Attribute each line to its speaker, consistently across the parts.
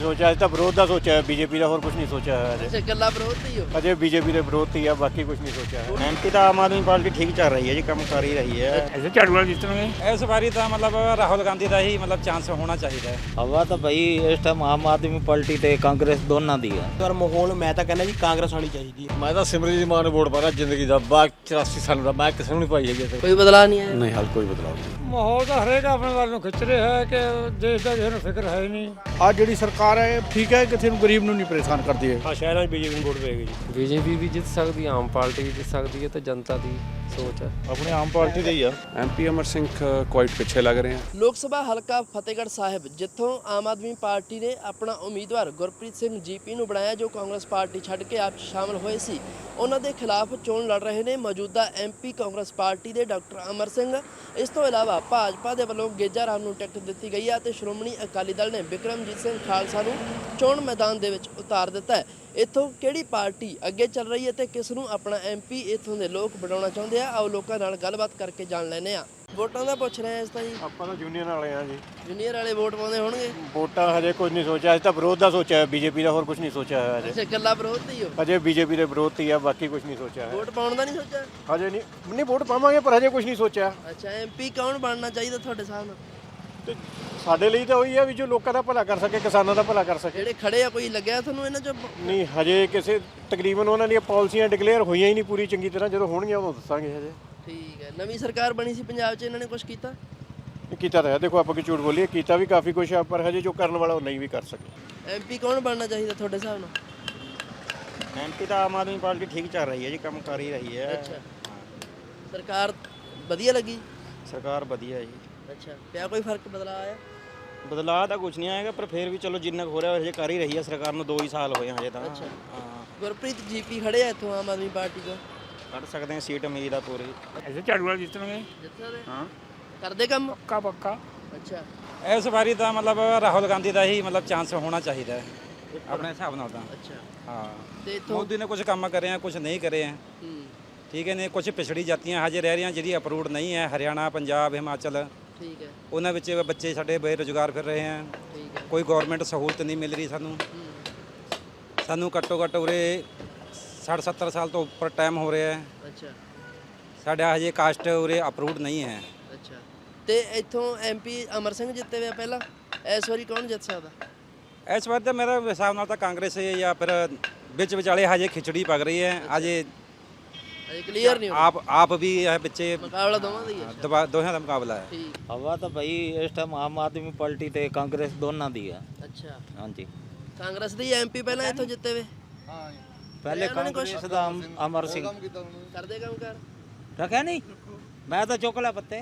Speaker 1: ਸੋਚਿਆ, ਅਜੇ ਤਾਂ ਵਿਰੋਧ ਦਾ ਸੋਚਿਆ ਹੈ ਬੀਜੇਪੀ ਦਾ, ਹੋਰ ਕੁਝ ਨਹੀਂ ਸੋਚਿਆ ਹੈ ਅਜੇ।
Speaker 2: ਅੱਛਾ, ਗੱਲਾਂ ਵਿਰੋਧ ਤੇ ਹੀ ਹੋ।
Speaker 1: ਅਜੇ ਬੀਜੇਪੀ ਦੇ ਵਿਰੋਧ ਤੇ ਹੀ ਆ, ਬਾਕੀ ਕੁਝ ਨਹੀਂ ਸੋਚਿਆ ਹੈ।
Speaker 3: ਐਮਪੀ ਤਾਂ ਆਮ ਆਦਮੀ ਪਾਰਟੀ ਠੀਕ ਚੱਲ ਰਹੀ ਹੈ ਜੀ, ਕੰਮ ਕਰ ਹੀ ਰਹੀ ਹੈ।
Speaker 4: ਐਸੇ ਝਾੜੂ ਵਾਲਾ ਜਿੱਤਣਗੇ।
Speaker 5: ਇਸ ਵਾਰੀ ਤਾਂ ਮਤਲਬ ਰਾਹੁਲ ਗਾਂਧੀ ਦਾ ਹੀ ਮਤਲਬ ਚਾਂਸ ਹੋਣਾ ਚਾਹੀਦਾ ਹੈ।
Speaker 3: ਹਵਾ ਤਾਂ ਭਾਈ ਇਸ ਟਾਈਮ ਆਮ ਆਦਮੀ ਪਾਰਟੀ ਤੇ ਕਾਂਗਰਸ ਦੋਨਾਂ ਦੀ ਹੈ।
Speaker 6: ਪਰ ਮਾਹੌਲ ਮੈਂ ਤਾਂ ਕਹਿੰਦਾ ਜੀ ਕਾਂਗਰਸ ਆਣੀ ਚਾਹੀਦੀ ਹੈ।
Speaker 1: ਮੈਂ ਤਾਂ ਸਿਮਰਜੀਤ ਮਾਨ ਨੂੰ ਵੋਟ ਪਾਣਾ ਜ਼ਿੰਦਗੀ ਦਾ, 84 ਸਾਲ ਦਾ ਮੈਂ ਕਿਸੇ ਨੂੰ ਨਹੀਂ ਪਾਈ ਹੈਗੀ।
Speaker 2: ਕੋਈ ਬਦਲਾਅ ਨਹੀਂ ਆਇਆ।
Speaker 1: ਨਹੀਂ, ਹਾਲ ਕੋਈ ਬਦਲਾਅ ਨਹੀਂ।
Speaker 4: ਮਾਹੌਲ ਤਾਂ ਹਰੇਕ ਆਪਣੇ ਵੱਲ ਨੂੰ ਖਿੱਚ ਰਿਹਾ ਹੈ ਕਿ ਦੇਸ਼ ਦਾ ਕਿਸੇ ਨੂੰ ਫਿਕਰ ਹੈ ਹੀ ਨਹੀਂ।
Speaker 7: ਆ ਜਿਹੜੀ ਸਰਕਾਰ ਹੈ ਠੀਕ ਹੈ, ਕਿਸੇ ਨੂੰ ਗਰੀਬ ਨੂੰ ਨਹੀਂ ਪਰੇਸ਼ਾਨ ਕਰਦੀ ਹੈ।
Speaker 1: ਹਾਂ, ਸ਼ਹਿਰਾਂ 'ਚ ਬੀਜੇਪੀ ਨੂੰ ਵੋਟ ਪਏਗੀ ਜੀ।
Speaker 8: ਬੀਜੇਪੀ ਵੀ ਜਿੱਤ ਸਕਦੀ ਹੈ, ਆਮ ਪਾਰਟੀ ਵੀ ਜਿੱਤ ਸਕਦੀ ਹੈ, ਤੇ ਜਨਤਾ ਦੀ ਸੋਚ ਹੈ।
Speaker 7: ਆਪਣੇ ਆਮ ਪਾਰਟੀ ਦੇ ਹੀ ਆ।
Speaker 9: ਐਮਪੀ ਅਮਰ ਸਿੰਘ ਕੁਆਇਟ ਪਿੱਛੇ ਲੱਗ ਰਹੇ ਹਨ।
Speaker 2: ਲੋਕ ਸਭਾ ਹਲਕਾ ਫਤਿਹਗੜ੍ਹ ਸਾਹਿਬ, ਜਿੱਥੋਂ ਆਮ ਆਦਮੀ ਪਾਰਟੀ ਨੇ ਆਪਣਾ ਉਮੀਦਵਾਰ ਗੁਰਪ੍ਰੀਤ ਸਿੰਘ ਜੀਪੀ ਨੂੰ ਬਣਾਇਆ, ਜੋ ਕਾਂਗਰਸ ਪਾਰਟੀ ਛੱਡ ਕੇ ਆਪ 'ਚ ਸ਼ਾਮਲ ਹੋਏ ਸੀ। ਉਹਨਾਂ ਦੇ ਖਿਲਾਫ ਚੋਣ ਲੜ ਰਹੇ ਨੇ ਮੌਜੂਦਾ ਐਮਪੀ ਕਾਂਗਰਸ ਪਾਰਟੀ ਦੇ ਡਾਕਟਰ ਅਮਰ ਸਿੰਘ। ਇਸ ਤੋਂ ਇਲਾਵਾ ਭਾਜਪਾ ਦੇ ਵੱਲੋਂ ਗੇਜਾ ਰਾਮ ਨੂੰ ਟਿਕਟ ਦਿੱਤੀ ਗਈ ਹੈ ਤੇ ਸ਼੍ਰੋਮਣੀ ਅਕਾਲੀ ਦਲ ਨੇ ਬਿਕਰਮਜੀਤ ਸਿੰਘ ਖਾਲਸਾ ਨੂੰ ਚੋਣ ਮੈਦਾਨ ਦੇ ਵਿੱਚ ਉਤਾਰ ਦਿੱਤਾ ਹੈ। ਇੱਥੋਂ ਕਿਹੜੀ ਪਾਰਟੀ ਅੱਗੇ ਚੱਲ ਰਹੀ ਹੈ ਤੇ ਕਿਸ ਨੂੰ ਆਪਣਾ ਐਮਪੀ ਇੱਥੋਂ ਦੇ ਲੋਕ ਬਣਾਉਣਾ ਚਾਹੁੰਦੇ ਆ, ਆਓ ਲੋਕਾਂ ਨਾਲ ਗੱਲਬਾਤ ਕਰਕੇ ਜਾਣ ਲੈਂਦੇ ਆ। ਵੋਟਾਂ ਦਾ ਪੁੱਛ ਰਹੇ ਆ ਇਸ ਤਾਂ ਜੀ।
Speaker 1: ਆਪਾਂ ਤਾਂ ਜੂਨੀਅਰ ਵਾਲੇ ਆ ਜੀ।
Speaker 2: ਜੂਨੀਅਰ ਵਾਲੇ ਵੋਟ ਪਾਉਂਦੇ ਹੋਣਗੇ।
Speaker 1: ਵੋਟਾਂ ਹਜੇ ਕੁਝ ਨਹੀਂ ਸੋਚਿਆ, ਅਜੇ ਤਾਂ ਵਿਰੋਧ ਦਾ ਸੋਚਿਆ ਹੈ ਬੀਜੇਪੀ ਦਾ, ਹੋਰ ਕੁਝ ਨਹੀਂ ਸੋਚਿਆ ਹੈ ਅਜੇ।
Speaker 2: ਅੱਛਾ, ਗੱਲਾਂ ਵਿਰੋਧ ਤੇ ਹੀ ਹੋ।
Speaker 1: ਅਜੇ ਬੀਜੇਪੀ ਦੇ ਵਿਰੋਧ ਤੇ ਹੀ ਆ, ਬਾਕੀ ਕੁਝ ਨਹੀਂ ਸੋਚਿਆ ਹੈ।
Speaker 2: ਵੋਟ ਪਾਉਣ ਦਾ ਨਹੀਂ ਸੋਚਿਆ।
Speaker 1: ਹਜੇ ਨਹੀਂ ਵੋਟ ਪਾਵਾਂਗੇ, ਪਰ ਹਜੇ ਕੁਝ ਨਹੀਂ ਸੋਚਿਆ।
Speaker 2: ਅੱਛਾ, ਐਮਪੀ ਕੌਣ ਬਣਨਾ ਚਾਹੀਦਾ ਤੁਹਾਡੇ ਹਿਸਾਬ ਨਾਲ?
Speaker 1: ਤੇ ਸਾਡੇ ਲਈ ਤਾਂ ਉਹੀ ਆ ਵੀ ਜੋ ਲੋਕਾਂ ਦਾ ਭਲਾ ਕਰ ਸਕੇ, ਕਿਸਾਨਾਂ ਦਾ ਭਲਾ ਕਰ ਸਕੇ।
Speaker 2: ਜਿਹੜੇ ਖੜੇ ਆ, ਕੋਈ ਲੱਗਿਆ ਤੁਹਾਨੂੰ ਇਹਨਾਂ ਚੋਂ?
Speaker 1: ਨਹੀਂ, ਹਜੇ ਕਿਸੇ ਤਕਰੀਬਨ ਉਹਨਾਂ ਦੀਆਂ ਪਾਲਿਸੀਆਂ ਡਿਕਲੇਅਰ ਹੋਈਆਂ ਹੀ ਨਹੀਂ ਪੂਰੀ ਚੰਗੀ ਤਰ੍ਹਾਂ। ਜਦੋਂ ਹੋਣਗੀਆਂ ਉਦੋਂ ਦੱਸਾਂਗੇ। ਹਜੇ
Speaker 2: ਠੀਕ ਹੈ। ਨਵੀਂ ਸਰਕਾਰ ਬਣੀ ਸੀ ਪੰਜਾਬ 'ਚ, ਇਹਨਾਂ ਨੇ ਕੁਝ ਕੀਤਾ?
Speaker 1: ਕੀਤਾ ਤਾਂ ਹੈ, ਦੇਖੋ ਆਪਾਂ ਕਿ ਝੂਠ ਬੋਲੀਏ, ਕੀਤਾ ਵੀ ਕਾਫੀ ਕੁਛ ਆ, ਪਰ ਹਜੇ ਜੋ ਕਰਨ ਵਾਲਾ ਉਹ ਨਹੀਂ ਵੀ ਕਰ ਸਕੇ।
Speaker 2: ਐਮਪੀ ਕੌਣ ਬਣਨਾ ਚਾਹੀਦਾ ਤੁਹਾਡੇ ਹਿਸਾਬ ਨਾਲ?
Speaker 3: ਐਮਪੀ ਤਾਂ ਆਮ ਆਦਮੀ ਪਾਰਟੀ ਠੀਕ ਚੱਲ ਰਹੀ ਹੈ ਜੀ, ਕੰਮ ਕਰ ਹੀ ਰਹੀ ਹੈ।
Speaker 2: ਅੱਛਾ, ਸਰਕਾਰ ਵਧੀਆ ਲੱਗੀ?
Speaker 3: ਸਰਕਾਰ ਵਧੀਆ ਜੀ।
Speaker 2: ਅੱਛਾ, ਪਿਆ ਕੋਈ ਫਰਕ ਬਦਲਾ ਆਇਆ?
Speaker 3: ਬਦਲਾਅ ਤਾਂ ਕੁਝ ਨਹੀਂ ਆਏਗਾ, ਪਰ ਫਿਰ ਵੀ ਚਲੋ ਜਿੰਨਾ ਕੁ ਹੋ ਰਿਹਾ ਹਜੇ ਕਰ ਹੀ ਰਹੀ ਹੈ ਸਰਕਾਰ ਨੂੰ। 2 ਹੀ ਸਾਲ ਹੋਏ ਹਜੇ ਤਾਂ।
Speaker 2: ਅੱਛਾ।
Speaker 3: ਹਾਂ,
Speaker 2: ਗੁਰਪ੍ਰੀਤ ਜੀਪੀ ਖੜੇ ਆ ਇੱਥੋਂ ਆਮ ਆਦਮੀ ਪਾਰਟੀ ਤੋਂ।
Speaker 3: ਕੱਢ ਸਕਦੇ ਹਾਂ ਸੀਟ ਉਮੀਦ ਆ ਪੂਰੀ।
Speaker 4: ਐਸੇ ਝਾੜੂ ਵਾਲਾ ਜਿੱਤਣਗੇ।
Speaker 2: ਜਿੱਥੇ ਦੇ
Speaker 3: ਹਾਂ,
Speaker 2: ਕਰਦੇ ਕੰਮ?
Speaker 4: ਪੱਕਾ ਪੱਕਾ।
Speaker 2: ਅੱਛਾ,
Speaker 5: ਇਸ ਵਾਰੀ ਤਾਂ ਮਤਲਬ ਰਾਹੁਲ ਗਾਂਧੀ ਦਾ ਹੀ ਮਤਲਬ ਚਾਂਸ ਹੋਣਾ ਚਾਹੀਦਾ ਹੈ ਆਪਣੇ ਹਿਸਾਬ ਨਾਲ ਤਾਂ।
Speaker 2: ਅੱਛਾ।
Speaker 5: ਹਾਂ,
Speaker 2: ਤੇ ਇੱਥੋਂ
Speaker 5: ਮੋਦੀ ਨੇ ਕੁਝ ਕੰਮ ਕਰੇ ਆ, ਕੁਝ ਨਹੀਂ ਕਰੇ ਆ। ਠੀਕ ਹੈ ਨੇ, ਕੁਝ ਪਿਛੜੀ ਜਾਤੀਆਂ ਹਜੇ ਰਹਿ ਰਹੀਆਂ ਜਿਹੜੀ ਅਪਰੂਵਡ ਨਹੀਂ ਹੈ। ਹਰਿਆਣਾ, ਪੰਜਾਬ, ਹਿਮਾਚਲ,
Speaker 2: ਠੀਕ ਹੈ।
Speaker 5: ਉਹਨਾਂ ਵਿੱਚ ਬੱਚੇ ਸਾਡੇ ਬੇਰੁਜ਼ਗਾਰ ਫਿਰ ਰਹੇ ਆ।
Speaker 2: ਠੀਕ ਹੈ।
Speaker 5: ਕੋਈ ਗਵਰਨਮੈਂਟ ਸਹੂਲਤ ਨਹੀਂ ਮਿਲ ਰਹੀ ਸਾਨੂੰ ਘੱਟੋ ਘੱਟ ਉਰੇ 60-70 ਸਾਲ ਤੋਂ ਉੱਪਰ ਟਾਈਮ ਹੋ ਰਿਹਾ ਹੈ।
Speaker 2: ਅੱਛਾ।
Speaker 5: ਸਾਡਾ ਹਜੇ ਕਾਸਟ ਉਰੇ ਅਪਰੂਵਡ ਨਹੀਂ ਹੈ।
Speaker 2: ਅੱਛਾ, ਤੇ ਇੱਥੋਂ ਐਮਪੀ ਅਮਰ ਸਿੰਘ ਜਿੱਤੇ ਹੋਏ ਆ ਪਹਿਲਾਂ, ਇਸ ਵਾਰੀ ਕੌਣ ਜਿੱਤ ਸਕਦਾ?
Speaker 5: ਇਸ ਵਾਰ ਤਾਂ ਮੇਰੇ ਹਿਸਾਬ ਨਾਲ ਤਾਂ ਕਾਂਗਰਸ ਹੈ, ਜਾਂ ਫਿਰ ਵਿੱਚ ਵਿਚਾਲੇ ਹਜੇ ਖਿਚੜੀ ਪਕ ਰਹੀ ਹੈ। ਹਜੇ
Speaker 2: ਕਲੀਅਰ ਨਹੀਂ ਹੋਣਾ।
Speaker 5: ਆਪ ਵੀ ਹੈ ਪਿੱਛੇ,
Speaker 2: ਮੁਕਾਬਲਾ ਦੋਵਾਂ ਦਾ ਹੀ ਹੈ।
Speaker 5: ਦੋਹਾਂ ਦਾ ਮੁਕਾਬਲਾ ਹੈ।
Speaker 2: ਠੀਕ।
Speaker 3: ਹਵਾ ਤਾਂ ਭਾਈ ਇਸ ਟਾਈਮ ਆਮ ਆਦਮੀ ਪਾਰਟੀ ਤੇ ਕਾਂਗਰਸ ਦੋਨਾਂ ਦੀ ਹੈ।
Speaker 2: ਅੱਛਾ,
Speaker 3: ਹਾਂਜੀ।
Speaker 2: ਕਾਂਗਰਸ ਦੇ ਐਮਪੀ ਪਹਿਲਾਂ ਇੱਥੋਂ ਜਿੱਤੇ ਵੇ?
Speaker 3: ਪਹਿਲੇ
Speaker 2: ਉਹਨਾਂ ਨੇ
Speaker 3: ਕਾਂਗਰਸ ਦਾ ਅਮਰ ਸਿੰਘ
Speaker 2: ਕਰਦੇ ਕੰਮ ਕਰ?
Speaker 3: ਰੱਖਿਆ ਨਹੀਂ, ਮੈਂ ਤਾਂ ਚੁੱਕ ਲਿਆ ਪੱਤੇ।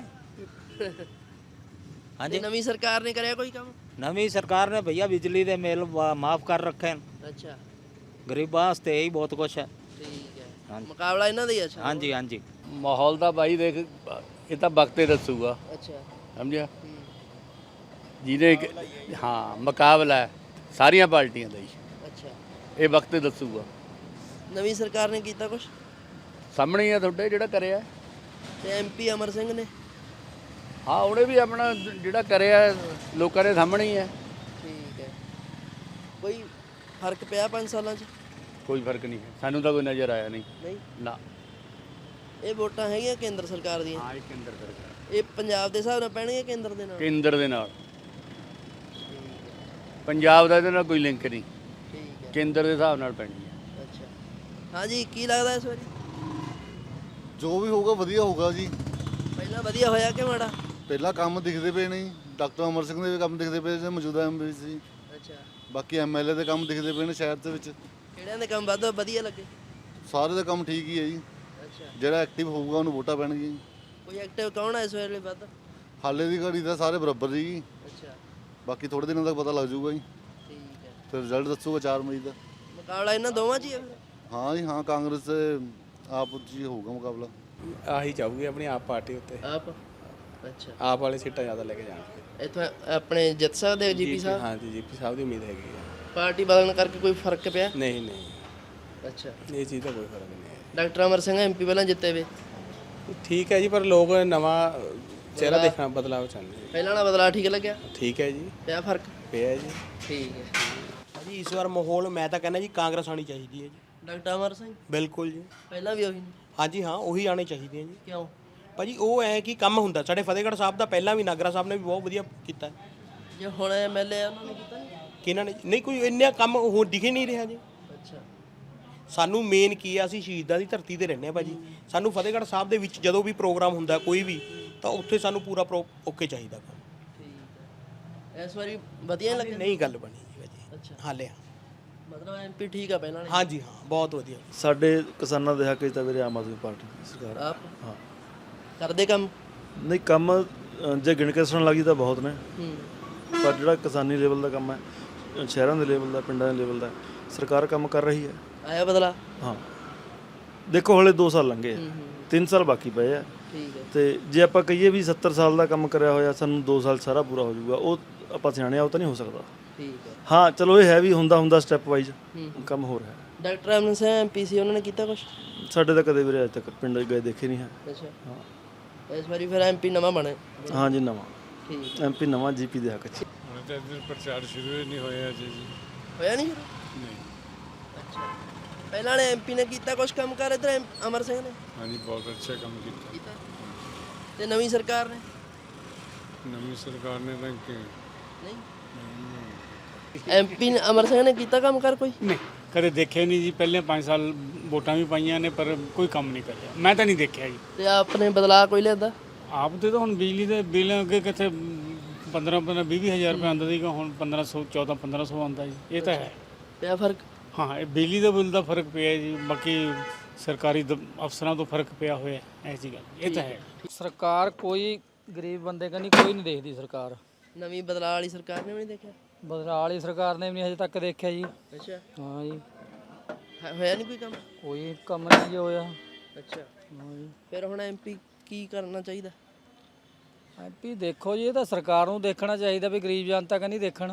Speaker 3: ਹਾਂਜੀ।
Speaker 2: ਨਵੀਂ ਸਰਕਾਰ ਨੇ ਕਰਿਆ ਕੋਈ ਕੰਮ?
Speaker 3: ਨਵੀਂ ਸਰਕਾਰ ਨੇ ਭਈਆ ਬਿਜਲੀ ਦੇ ਬਿੱਲ ਮਾਫ ਕਰ ਰੱਖੇ ਹਨ।
Speaker 2: ਅੱਛਾ,
Speaker 3: ਗਰੀਬਾਂ ਵਾਸਤੇ ਇਹੀ ਬਹੁਤ ਕੁਛ ਹੈ।
Speaker 2: ਠੀਕ ਹੈ।
Speaker 3: ਹਾਂਜੀ।
Speaker 2: ਮੁਕਾਬਲਾ ਇਹਨਾਂ ਦਾ ਹੀ ਹੈ। ਅੱਛਾ।
Speaker 3: ਹਾਂਜੀ ਹਾਂਜੀ।
Speaker 10: ਮਾਹੌਲ ਤਾਂ ਬਾਈ ਦੇਖ, ਇਹ ਤਾਂ ਵਕਤ ਹੀ ਦੱਸੂਗਾ,
Speaker 2: ਅੱਛਾ।
Speaker 10: ਸਮਝਿਆ। ਜਿਹਦੇ ਹਾਂ ਮੁਕਾਬਲਾ ਹੈ ਸਾਰੀਆਂ ਪਾਰਟੀਆਂ ਦਾ ਹੀ,
Speaker 2: ਅੱਛਾ।
Speaker 10: ਇਹ ਵਕਤ ਹੀ ਦੱਸੂਗਾ।
Speaker 2: ਨਵੀਂ ਸਰਕਾਰ ਨੇ ਕੀਤਾ ਕੁਝ?
Speaker 10: ਸਾਹਮਣੇ ਹੀ ਆ ਤੁਹਾਡੇ ਜਿਹੜਾ ਕਰਿਆ।
Speaker 2: ਤੇ ਐਮਪੀ ਅਮਰ ਸਿੰਘ ਨੇ?
Speaker 10: ਹਾਂ, ਉਹਨੇ ਵੀ ਆਪਣਾ ਜਿਹੜਾ ਕਰਿਆ ਲੋਕਾਂ ਦੇ ਸਾਹਮਣੇ ਹੀ ਹੈ।
Speaker 2: ਠੀਕ ਹੈ। ਕੋਈ ਫਰਕ ਪਿਆ 5 ਸਾਲਾਂ 'ਚ?
Speaker 10: ਕੋਈ ਫਰਕ ਨਹੀਂ ਹੈ, ਸਾਨੂੰ ਤਾਂ ਕੋਈ ਨਜ਼ਰ ਆਇਆ ਨਹੀਂ।
Speaker 2: ਨਹੀਂ
Speaker 10: ਨਾ।
Speaker 2: ਇਹ ਵੋਟਾਂ ਹੈਗੀਆਂ ਕੇਂਦਰ ਸਰਕਾਰ ਦੀਆਂ?
Speaker 10: ਹਾਂ, ਇਹ ਕੇਂਦਰ ਸਰਕਾਰ।
Speaker 2: ਇਹ ਪੰਜਾਬ ਦੇ ਹਿਸਾਬ ਨਾਲ ਪੈਣਗੇ ਕੇਂਦਰ ਦੇ ਨਾਲ?
Speaker 10: ਕੇਂਦਰ ਦੇ ਨਾਲ। ਪੰਜਾਬ ਦਾ ਇਹਦੇ ਨਾਲ ਕੋਈ ਲਿੰਕ ਨਹੀਂ,
Speaker 2: ਠੀਕ ਹੈ।
Speaker 10: ਕੇਂਦਰ ਦੇ ਹਿਸਾਬ ਨਾਲ ਪੈਣੀ ਹੈ।
Speaker 2: ਅੱਛਾ। ਹਾਂਜੀ, ਕੀ ਲੱਗਦਾ ਇਸ ਵਾਰੀ?
Speaker 11: ਜੋ ਵੀ ਹੋਊਗਾ ਵਧੀਆ ਹੋਊਗਾ ਜੀ।
Speaker 2: ਪਹਿਲਾਂ ਵਧੀਆ ਹੋਇਆ ਕਿ ਮਾੜਾ?
Speaker 11: ਪਹਿਲਾਂ ਕੰਮ ਦਿਖਦੇ ਪਏ ਨੇ, ਡਾਕਟਰ ਅਮਰ ਸਿੰਘ ਦੇ ਵੀ ਕੰਮ ਦਿਖਦੇ ਪਏ ਨੇ, ਮੌਜੂਦਾ ਐਮਪੀ ਸੀ।
Speaker 2: ਅੱਛਾ।
Speaker 11: ਬਾਕੀ ਐਮਐਲਏ ਦੇ ਕੰਮ ਦਿਖਦੇ ਪਏ ਨੇ ਸ਼ਹਿਰ ਦੇ ਵਿੱਚ।
Speaker 2: ਕਿਹੜਿਆਂ ਦੇ ਕੰਮ ਵੱਧ ਵਧੀਆ ਲੱਗੇ?
Speaker 11: ਸਾਰੇ ਦਾ ਕੰਮ ਠੀਕ ਹੀ ਹੈ ਜੀ।
Speaker 2: ਅੱਛਾ।
Speaker 11: ਜਿਹੜਾ ਐਕਟਿਵ ਹੋਊਗਾ ਉਹਨੂੰ ਵੋਟਾਂ ਪੈਣਗੀਆਂ।
Speaker 2: ਕੋਈ ਐਕਟਿਵ ਕੌਣ ਹੈ ਇਸ ਵੇਲੇ ਵੱਧ?
Speaker 11: ਹਾਲੇ ਦੀ ਘੜੀ ਤਾਂ ਸਾਰੇ ਬਰਾਬਰ ਜੀ।
Speaker 2: ਅੱਛਾ।
Speaker 11: ਬਾਕੀ ਥੋੜੇ ਦਿਨਾਂ ਤੱਕ ਪਤਾ ਲੱਗ ਜਾਊਗਾ ਜੀ,
Speaker 2: ਠੀਕ ਹੈ।
Speaker 11: ਫਿਰ ਰਿਜ਼ਲਟ ਦੱਸੂਗਾ 4 ਮਈ ਦਾ।
Speaker 2: ਮੁਕਾਬਲਾ ਇਹਨਾਂ ਦੋਵਾਂ 'ਚ ਹੀ ਹੈ ਫਿਰ?
Speaker 11: ਹਾਂ ਜੀ ਹਾਂ, ਕਾਂਗਰਸ ਤੇ ਆਪ 'ਚ ਹੀ ਹੋਊਗਾ ਮੁਕਾਬਲਾ।
Speaker 9: ਆਹੀ ਚਾਹੂਗੀ ਆਪਣੀ ਆਪ ਪਾਰਟੀ ਉੱਤੇ,
Speaker 2: ਆਪ? ਅੱਛਾ।
Speaker 9: ਆਪ ਵਾਲੇ ਸੀਟਾਂ ਜ਼ਿਆਦਾ ਲੈ ਕੇ ਜਾਣਗੇ।
Speaker 2: ਇੱਥੋਂ ਆਪਣੇ ਜਿੱਤ ਸਕਦੇ ਜੀਪੀ ਸਾਹਿਬ?
Speaker 9: ਹਾਂਜੀ, ਜੀਪੀ ਸਾਹਿਬ ਦੀ ਉਮੀਦ ਹੈਗੀ ਹੈ।
Speaker 2: ਪਾਰਟੀ ਬਦਲਣ ਕਰਕੇ ਕੋਈ ਫਰਕ ਪਿਆ?
Speaker 9: ਨਹੀਂ ਨਹੀਂ,
Speaker 2: ਅੱਛਾ।
Speaker 9: ਇਹ ਚੀਜ਼ ਦਾ ਕੋਈ ਫਰਕ ਨਹੀਂ ਹੈ।
Speaker 2: ਡਾਕਟਰ ਅਮਰ ਸਿੰਘ ਐਮਪੀ ਪਹਿਲਾਂ ਜਿੱਤੇ ਵੇ?
Speaker 9: ਠੀਕ ਹੈ ਜੀ, ਪਰ ਲੋਕ ਨਵਾਂ ਚਿਹਰਾ ਦੇਖਣਾ, ਬਦਲਾਅ ਚਾਹੁੰਦੇ।
Speaker 2: ਪਹਿਲਾਂ ਵਾਲਾ ਬਦਲਾਅ ਠੀਕ ਲੱਗਿਆ?
Speaker 9: ਠੀਕ ਹੈ ਜੀ,
Speaker 2: ਪਿਆ ਫਰਕ?
Speaker 9: ਪਿਆ ਜੀ।
Speaker 2: ਠੀਕ ਹੈ।
Speaker 6: ਜੀ ਇਸ ਵਾਰ ਮਾਹੌਲ ਮੈਂ ਤਾਂ ਕਹਿੰਦਾ ਜੀ ਕਾਂਗਰਸ ਆਣੀ ਚਾਹੀਦੀ ਹੈ ਜੀ।
Speaker 2: ਡਾਕਟਰ ਅਮਰ ਸਿੰਘ
Speaker 6: ਬਿਲਕੁਲ ਜੀ।
Speaker 2: ਪਹਿਲਾਂ ਵੀ ਉਹੀ ਨੇ।
Speaker 6: ਹਾਂਜੀ ਹਾਂ ਉਹੀ ਆਣੇ ਚਾਹੀਦੇ ਆ ਜੀ।
Speaker 2: ਕਿਉਂ?
Speaker 6: ਭਾਜੀ ਉਹ ਐ ਕਿ ਕੰਮ ਹੁੰਦਾ ਸਾਡੇ ਫਤਿਹਗੜ੍ਹ ਸਾਹਿਬ ਦਾ ਪਹਿਲਾਂ ਵੀ ਨਾਗਰਾ ਸਾਹਿਬ ਨੇ ਵੀ ਬਹੁਤ ਵਧੀਆ ਕੀਤਾ।
Speaker 2: ਜੇ ਹੁਣ ਐਮਐਲਏ ਉਹਨਾਂ ਨੇ ਕੀਤਾ ਨਹੀਂ?
Speaker 6: ਕਿਹਨਾਂ ਨੇ ਨਹੀਂ ਕੋਈ ਇੰਨਾ ਕੰਮ ਉਹ ਦਿਖੇ ਨਹੀਂ ਰਿਹਾ ਜੀ।
Speaker 2: ਅੱਛਾ।
Speaker 6: ਸਾਨੂੰ ਮੇਨ ਕੀ ਆ ਅਸੀਂ ਸ਼ਹੀਦਾਂ ਦੀ ਧਰਤੀ ਤੇ ਰਹਿੰਦੇ ਆ ਭਾਜੀ। ਸਾਨੂੰ ਫਤਿਹਗੜ੍ਹ ਸਾਹਿਬ ਦੇ ਵਿੱਚ ਜਦੋਂ ਵੀ ਪ੍ਰੋਗਰਾਮ ਹੁੰਦਾ ਕੋਈ ਵੀ ਤਾਂ ਉੱਥੇ ਸਾਨੂੰ ਪੂਰਾ ਓਕੇ ਚਾਹੀਦਾ।
Speaker 2: ਠੀਕ ਹੈ। ਇਸ ਵਾਰੀ ਵਧੀਆ ਲੱਗੇ?
Speaker 6: ਨਹੀਂ ਗੱਲ ਬਣੀ ਜੀ ਭਾਜੀ।
Speaker 2: ਅੱਛਾ।
Speaker 6: ਹਾਲੇ
Speaker 2: ਮਤਲਬ ਐਮਪੀ ਠੀਕ ਆ ਪਹਿਲਾਂ?
Speaker 6: ਹਾਂਜੀ ਹਾਂ ਬਹੁਤ ਵਧੀਆ।
Speaker 7: ਸਾਡੇ ਕਿਸਾਨਾਂ ਦੇ ਹੱਕ 'ਚ ਤਾਂ ਵੀਰੇ ਆਮ ਆਦਮੀ ਪਾਰਟੀ ਦੀ ਸਰਕਾਰ।
Speaker 2: ਆਪ
Speaker 7: ਹਾਂ
Speaker 2: ਕਰਦੇ ਕੰਮ?
Speaker 7: ਨਹੀਂ ਕੰਮ ਜੇ ਗਿਣ ਕੇ ਸੁਣਨ ਲੱਗੀ ਤਾਂ ਬਹੁਤ ਨੇ,
Speaker 2: ਹੂੰ।
Speaker 7: ਪਰ ਜਿਹੜਾ ਕਿਸਾਨੀ ਲੈਵਲ ਦਾ ਕੰਮ ਹੈ, ਸ਼ਹਿਰਾਂ ਦੇ ਲੈਵਲ ਦਾ, ਪਿੰਡਾਂ ਦੇ ਲੈਵਲ ਦਾ, ਸਰਕਾਰ ਕੰਮ ਕਰ ਰਹੀ ਹੈ।
Speaker 2: ਆਇਆ ਬਦਲਾ?
Speaker 7: ਹਾਂ ਦੇਖੋ ਹਲੇ 2 ਸਾਲ ਲੰਘੇ ਆ, 3 ਸਾਲ ਬਾਕੀ ਪਏ ਆ।
Speaker 2: ਠੀਕ ਹੈ।
Speaker 7: ਤੇ ਜੇ ਆਪਾਂ ਕਹੀਏ ਵੀ 70 ਸਾਲ ਦਾ ਕੰਮ ਕਰਿਆ ਹੋਇਆ ਸਾਨੂੰ 2 ਸਾਲ ਸਾਰਾ ਪੂਰਾ ਹੋ ਜਾਊਗਾ, ਉਹ ਆਪਾਂ ਸਿਆਣੇ ਆ, ਉਹ ਤਾਂ ਨਹੀਂ ਹੋ ਸਕਦਾ।
Speaker 2: ਠੀਕ ਹੈ।
Speaker 7: ਹਾਂ ਚਲੋ ਇਹ ਹੈ ਵੀ ਹੁੰਦਾ ਸਟੈਪ ਵਾਈਜ਼ ਕੰਮ ਹੋ ਰਿਹਾ।
Speaker 2: ਡਾਕਟਰ ਅਮਰ ਸਿੰਘ ਐਮਪੀ ਸੀ, ਉਹਨਾਂ ਨੇ ਕੀਤਾ ਕੁਝ?
Speaker 7: ਸਾਡੇ ਤਾਂ ਕਦੇ ਵੀਰੇ ਅੱਜ ਤੱਕ ਪਿੰਡ ਗਏ ਦੇਖੇ ਨਹੀਂ ਹੈ।
Speaker 2: ਅੱਛਾ। ਹਾਂ ਇਸ ਵਾਰੀ ਫਿਰ ਐਮਪੀ ਨਵਾਂ ਬਣੇ?
Speaker 7: ਹਾਂ ਜੀ ਨਵਾਂ
Speaker 2: ਠੀਕ
Speaker 7: ਐਮਪੀ ਨਵਾਂ ਜੀਪੀ ਦੇ ਹੱਕ 'ਚ।
Speaker 4: ਹੁਣ ਤਾਂ ਇੱਧਰ ਪ੍ਰਚਾਰ ਸ਼ੁਰੂ ਹੀ ਨਹੀਂ ਹੋਇਆ ਜੀ।
Speaker 2: ਹੋਇਆ ਨਹੀਂ?
Speaker 4: ਨਹੀਂ।
Speaker 2: ਅੱਛਾ। ਪਹਿਲਾਂ ਵਾਲੇ ਐਮਪੀ ਨੇ ਕੀਤਾ ਕੁਝ ਕੰਮ ਕਰ ਇੱਧਰ ਅਮਰ ਸਿੰਘ ਨੇ?
Speaker 4: ਹਾਂਜੀ ਬਹੁਤ ਅੱਛਾ ਕੰਮ ਕੀਤਾ।
Speaker 2: ਤੇ ਨਵੀਂ ਸਰਕਾਰ ਨੇ?
Speaker 4: ਨਵੀਂ ਸਰਕਾਰ ਨੇ ਤਾਂ
Speaker 2: ਨਹੀਂ। ਐਮਪੀ ਅਮਰ ਸਿੰਘ ਨੇ ਕੀਤਾ ਕੰਮ ਕਰ ਕੋਈ?
Speaker 4: ਨਹੀਂ ਕਦੇ ਦੇਖਿਆ ਨਹੀਂ ਜੀ। ਪਹਿਲੇ 5 ਸਾਲ ਵੋਟਾਂ ਵੀ ਪਾਈਆਂ ਨੇ ਪਰ ਕੋਈ ਕੰਮ ਨਹੀਂ ਕਰਿਆ, ਮੈਂ ਤਾਂ ਨਹੀਂ ਦੇਖਿਆ ਜੀ।
Speaker 2: ਤੇ ਆਪਣੇ ਬਦਲਾਅ ਕੋਈ ਲਿਆਂਦਾ?
Speaker 4: ਆਪ ਤੇ ਤਾਂ ਹੁਣ ਬਿਜਲੀ ਦੇ ਬਿੱਲ ਅੱਗੇ ਕਿੱਥੇ 15-20 ਹਜ਼ਾਰ ਰੁਪਏ ਆਉਂਦਾ ਸੀਗਾ, ਹੁਣ 1500 ਆਉਂਦਾ ਜੀ। ਇਹ ਤਾਂ ਹੈ।
Speaker 2: ਪਿਆ ਫਰਕ?
Speaker 4: ਹਾਂ ਇਹ ਬਿਜਲੀ ਦੇ ਬਿੱਲ ਦਾ ਫਰਕ ਪਿਆ ਜੀ, ਬਾਕੀ ਸਰਕਾਰੀ ਅਫਸਰਾਂ ਤੋਂ ਫਰਕ ਪਿਆ ਹੋਇਆ ਐਸੀ ਗੱਲ। ਇਹ ਤਾਂ ਹੈ।
Speaker 8: ਸਰਕਾਰ ਕੋਈ ਗਰੀਬ ਬੰਦੇ ਕੰਨੀ ਕੋਈ ਨਹੀਂ ਦੇਖਦੀ ਸਰਕਾਰ।
Speaker 2: ਨਵੀਂ ਬਦਲਾਅ ਵਾਲੀ ਸਰਕਾਰ ਨੇ ਵੀ ਨਹੀਂ ਦੇਖਿਆ?
Speaker 8: ਬਦਲਾਅ ਵਾਲੀ ਸਰਕਾਰ ਨੇ ਵੀ ਨਹੀਂ ਹਜੇ ਤੱਕ ਦੇਖਿਆ ਜੀ।
Speaker 2: ਅੱਛਾ।
Speaker 8: ਹਾਂ ਜੀ
Speaker 2: ਹੋਇਆ ਨਹੀਂ ਕੋਈ ਕੰਮ?
Speaker 8: ਕੋਈ ਕੰਮ ਨਹੀਂ ਜੀ ਹੋਇਆ।
Speaker 2: ਅੱਛਾ।
Speaker 8: ਹਾਂ ਜੀ
Speaker 2: ਫਿਰ ਹੁਣ ਐਮਪੀ ਕੀ ਕਰਨਾ ਚਾਹੀਦਾ?
Speaker 8: ਐਮਪੀ ਦੇਖੋ ਜੀ ਇਹ ਤਾਂ ਸਰਕਾਰ ਨੂੰ ਦੇਖਣਾ ਚਾਹੀਦਾ ਵੀ ਗਰੀਬ ਜਨਤਾ ਕੰਨੀ ਦੇਖਣ।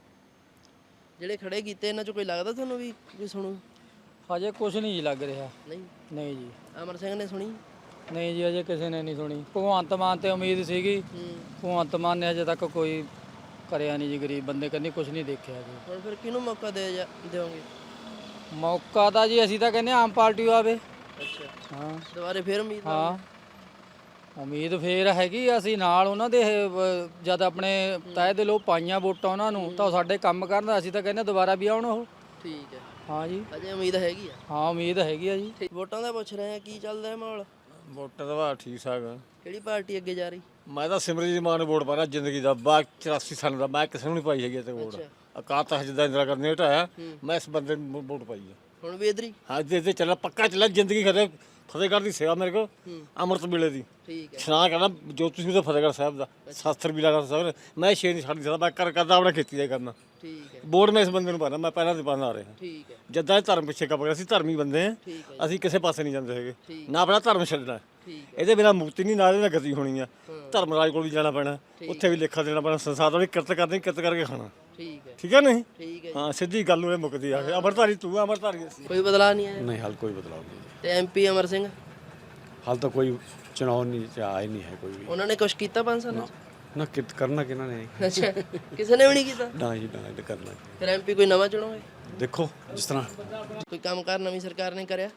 Speaker 2: ਜਿਹੜੇ ਖੜੇ ਕੀਤੇ ਇਹਨਾਂ 'ਚ ਕੋਈ ਲੱਗਦਾ ਤੁਹਾਨੂੰ ਵੀ ਕੋਈ ਸੁਣੂ?
Speaker 8: ਹਜੇ ਕੁਝ ਨਹੀਂ ਜੀ ਲੱਗ ਰਿਹਾ। ਨਹੀਂ ਜੀ।
Speaker 2: ਅਮਰ ਸਿੰਘ ਨੇ ਸੁਣੀ?
Speaker 8: ਨਹੀਂ ਜੀ ਹਜੇ ਕਿਸੇ ਨੇ ਨਹੀਂ ਸੁਣੀ। ਭਗਵੰਤ ਮਾਨ ਤੇ ਉਮੀਦ ਸੀਗੀ, ਭਗਵੰਤ ਮਾਨ ਨੇ ਹਜੇ ਤੱਕ ਕੋਈ ਕਰਿਆ ਨਹੀਂ ਜੀ, ਗਰੀਬ ਬੰਦੇ ਕੰਨੀ ਕੁਝ ਨਹੀਂ ਦੇਖਿਆ ਜੀ।
Speaker 2: ਹੁਣ ਫਿਰ ਕਿਹਨੂੰ ਮੌਕਾ ਦਿਓਗੇ?
Speaker 8: ਮੌਕਾ ਤਾਂ ਜੀ ਅਸੀਂ ਤਾਂ ਕਹਿੰਦੇ ਆਮ ਪਾਰਟੀ ਆਵੇ।
Speaker 2: ਅੱਛਾ।
Speaker 8: ਹਾਂ
Speaker 2: ਦੁਬਾਰੇ ਫਿਰ ਉਮੀਦ?
Speaker 8: ਹਾਂ ਉਮੀਦ ਫੇਰ ਹੈਗੀ। ਅਸੀਂ ਨਾਲ ਉਹਨਾਂ ਦੇ ਜਦ ਆਪਣੇ ਤਹਿ ਦਿਲੋਂ ਪਾਈਆਂ ਵੋਟਾਂ ਉਹਨਾਂ ਨੂੰ ਤਾਂ ਉਹ ਸਾਡੇ ਕੰਮ ਕਰਨ। ਅਸੀਂ ਤਾਂ ਕਹਿੰਦੇ ਦੁਬਾਰਾ ਵੀ ਆਉਣ ਉਹ।
Speaker 2: ਠੀਕ ਹੈ।
Speaker 8: ਹਾਂ ਜੀ
Speaker 2: ਅਜੇ ਉਮੀਦ ਹੈਗੀ ਆ?
Speaker 8: ਹਾਂ ਉਮੀਦ ਹੈਗੀ ਆ ਜੀ।
Speaker 2: ਵੋਟਾਂ ਦਾ ਪੁੱਛ ਰਹੇ ਆ ਕੀ ਚੱਲਦਾ ਹੈ ਮਾਹੌਲ?
Speaker 1: ਵੋਟਾਂ ਦਾ ਠੀਕ ਠਾਕ ਆ।
Speaker 2: ਕਿਹੜੀ ਪਾਰਟੀ ਅੱਗੇ ਜਾ ਰਹੀ?
Speaker 1: ਮੈਂ ਤਾਂ ਸਿਮਰਜੀਤ ਮਾਨ ਨੂੰ ਵੋਟ ਪਾਣਾ ਜ਼ਿੰਦਗੀ ਦਾ 84 ਸਾਲ ਦਾ। ਮੈਂ ਕਿਸੇ ਨੂੰ ਨਹੀਂ ਪਾਈ ਹੈਗੀ ਤੇ ਵੋਟ। ਅਕਾਲ ਤਖਤ ਜਿੱਦਾਂ ਇੰਦਰਾ ਗਾਂਧੀ ਨੇ ਹਟਾਇਆ ਮੈਂ ਇਸ ਬੰਦੇ ਨੂੰ ਵੋਟ ਪਾਈ ਆ।
Speaker 2: ਹੁਣ ਵੀ ਇੱਧਰ ਹੀ?
Speaker 1: ਹਾਂ ਜੇ ਚੱਲ ਪੱਕਾ ਚੱਲ ਜ਼ਿੰਦਗੀ ਖੜੇ। ਫਤਿਹਗੜ੍ਹ ਦੀ ਸੇਵਾ ਮੇਰੇ ਕੋ ਅੰਮ੍ਰਿਤ ਵੇਲੇ ਦੀ
Speaker 2: ਠੀਕ ਹੈ।
Speaker 1: ਸੁਣਾ ਕਰਨਾ ਜੋ ਤੁਸੀਂ ਉਹਦਾ ਫਤਿਹਗੜ੍ਹ ਸਾਹਿਬ ਦਾ ਸ਼ਾਸਤਰ ਵੀ ਲਗਾ ਸਾਹਿਬ ਮੈਂ ਸ਼ੇਰ ਨਹੀਂ ਛੱਡ ਸਕਦਾ। ਮੈਂ ਕਰਦਾ ਆਪਣਾ ਖੇਤੀ ਦਾ ਕਰਨਾ।
Speaker 2: ਠੀਕ ਹੈ।
Speaker 1: ਵੋਟ ਮੈਂ ਇਸ ਬੰਦੇ ਨੂੰ ਪਾਣਾ। ਮੈਂ ਪਹਿਲਾਂ ਦੇ ਪਾਣਾ ਆ ਰਿਹਾ।
Speaker 2: ਠੀਕ ਹੈ।
Speaker 1: ਜਦਾਂ ਧਰਮ ਪਿੱਛੇ ਕੰਮ ਕਰ ਅਸੀਂ ਧਰਮੀ ਬੰਦੇ ਆ। ਅਸੀਂ ਕਿਸੇ ਪਾਸੇ ਨਹੀਂ ਜਾਂਦੇ ਹੈਗੇ ਨਾ ਆਪਣਾ ਧਰਮ ਛੱਡਣਾ। ਇਹਦੇ ਬਿਨਾਂ ਮੁਕਤੀ ਨਹੀਂ ਨਾ ਇਹਦੇ ਨਾਲ ਗਤੀ ਹੋਣੀ ਆ। ਧਰਮਰਾਜ ਕੋਲ ਵੀ ਜਾਣਾ ਪੈਣਾ, ਉੱਥੇ ਵੀ ਲੇਖਾ ਦੇਣਾ ਪੈਣਾ। ਸੰਸਾਰ ਵਾਲੀ ਕਿਰਤ ਕਰਨੀ, ਕਿਰਤ ਕਰਕੇ ਖਾਣਾ।
Speaker 2: ਠੀਕ ਹੈ।
Speaker 1: ਠੀਕ ਹੈ ਨਹੀਂ?
Speaker 2: ਠੀਕ ਹੈ।
Speaker 1: ਹਾਂ ਸਿੱਧੀ ਗੱਲ ਨੂੰ ਇਹ ਮੁੱਕਦੀ ਆ। ਅਮਰਧਾਰੀ ਤੂੰ ਅਮਰਧਾਰੀ ਅਸੀਂ।
Speaker 2: ਕੋਈ ਬਦਲਾਅ ਨਹੀਂ ਆਇਆ?
Speaker 7: ਨਹੀਂ ਹਾਲ ਕੋਈ ਬਦਲਾਅ ਨਹੀਂ।
Speaker 2: ਤੇ ਐਮਪੀ ਅਮਰ ਸਿੰਘ?
Speaker 7: ਹਾਲ ਤਾਂ ਕੋਈ ਚੁਣਾਵ ਨਹੀਂ ਆਇਆ ਨਹੀਂ ਹੈ ਕੋਈ ਵੀ।
Speaker 2: ਉਹਨਾਂ ਨੇ ਕੁਝ ਕੀਤਾ 5 ਸਾਲਾਂ 'ਚ?
Speaker 7: ਨਾ ਕਰਨਾ ਕਿਹਨਾਂ ਨੇ?
Speaker 2: ਅੱਛਾ। ਕਿਸੇ ਨੇ ਵੀ ਨਹੀਂ ਕੀਤਾ?
Speaker 7: ਨਾ ਜੀ ਨਾ ਇਹ ਕਰਨਾ।
Speaker 2: ਫਿਰ ਐਮਪੀ ਕੋਈ ਨਵਾਂ ਚੁਣੋਗੇ?
Speaker 7: ਦੇਖੋ ਜਿਸ ਤਰ੍ਹਾਂ
Speaker 2: ਕੋਈ ਕੰਮ ਕਾਰ ਨਵੀਂ ਸਰਕਾਰ ਨੇ ਕਰਿਆ?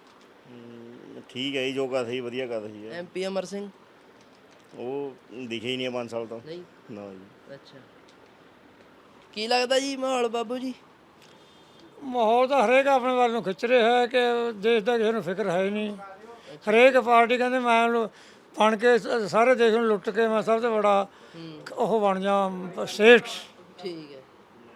Speaker 3: ਠੀਕ ਹੈ ਜੀ, ਜੋ ਕਰ ਸਹੀ ਵਧੀਆ ਕਰ ਰਹੀ ਹੈ।
Speaker 2: ਐਮਪੀ ਅਮਰ ਸਿੰਘ
Speaker 3: ਉਹ ਦਿਖੇ ਹੀ ਨਹੀਂ 5 ਸਾਲ ਤੋਂ।
Speaker 2: ਨਹੀਂ?
Speaker 3: ਨਾ ਜੀ।
Speaker 2: ਅੱਛਾ। ਕੀ ਲੱਗਦਾ ਜੀ ਮਾਹੌਲ ਬਾਬੂ ਜੀ?
Speaker 4: ਮਾਹੌਲ ਤਾਂ ਹਰੇਕ ਆਪਣੇ ਵੱਲ ਨੂੰ ਖਿੱਚ ਰਿਹਾ ਹੈ ਕਿ ਦੇਸ਼ ਦਾ ਕਿਸੇ ਨੂੰ ਫਿਕਰ ਹੈ ਹੀ ਨਹੀਂ। ਹਰੇਕ ਪਾਰਟੀ ਕਹਿੰਦੇ ਮੈਂ ਬਣ ਕੇ ਸਾਰੇ ਦੇਸ਼ ਨੂੰ ਲੁੱਟ ਕੇ ਮੈਂ ਸਭ ਤੋਂ ਬੜਾ ਉਹ ਬਣ ਜਾ ਸੇਠ।
Speaker 2: ਠੀਕ ਹੈ।